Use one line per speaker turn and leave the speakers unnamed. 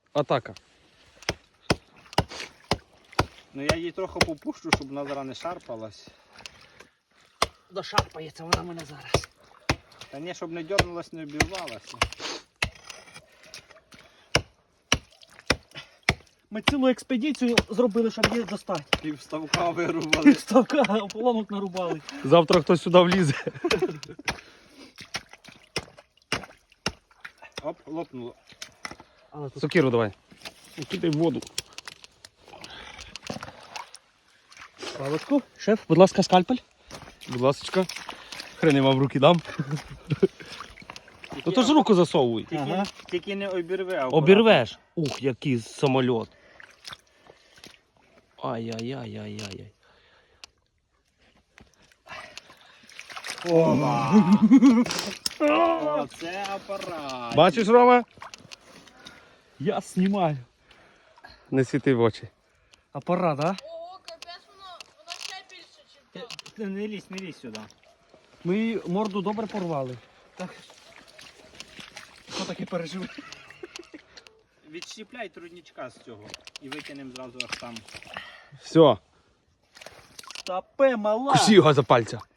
атака.
Ну я її трохи попущу, щоб вона зараз не шарпалась.
Дошарпається вона мене зараз.
Та ні, щоб не дернулась, не обірвалася.
Ми цілу експедицію зробили, щоб її достати.
Півставка вирубали.
Ставка, ополонок нарубали.
Завтра хтось сюди влізе.
Оп, лопнуло.
Але тут
Сокиру давай. Кидай в воду.
паличку. Шеф, будь ласка, скальпель.
Будь ласочка. Хрен я вам в руки дам. Ну то ж руку засовуй.
Ага.
Тільки не обірве, а
Обірвеш. Ух, який самоліт. Ай-яй-яй-яй-яй.
Оце апарат.
Бачиш, Рома?
Я знімаю.
Не світи в очі.
Апарат, а?
Ого, капець, воно ще більше, ніж то.
Не лізь сюди.
Ми її морду добре порвали. Так. Що таке пережив?
Відщіпляй трудничка з цього і витягнемо зразу аж там.
Все.
Тапе мала.
Кусі його за пальця.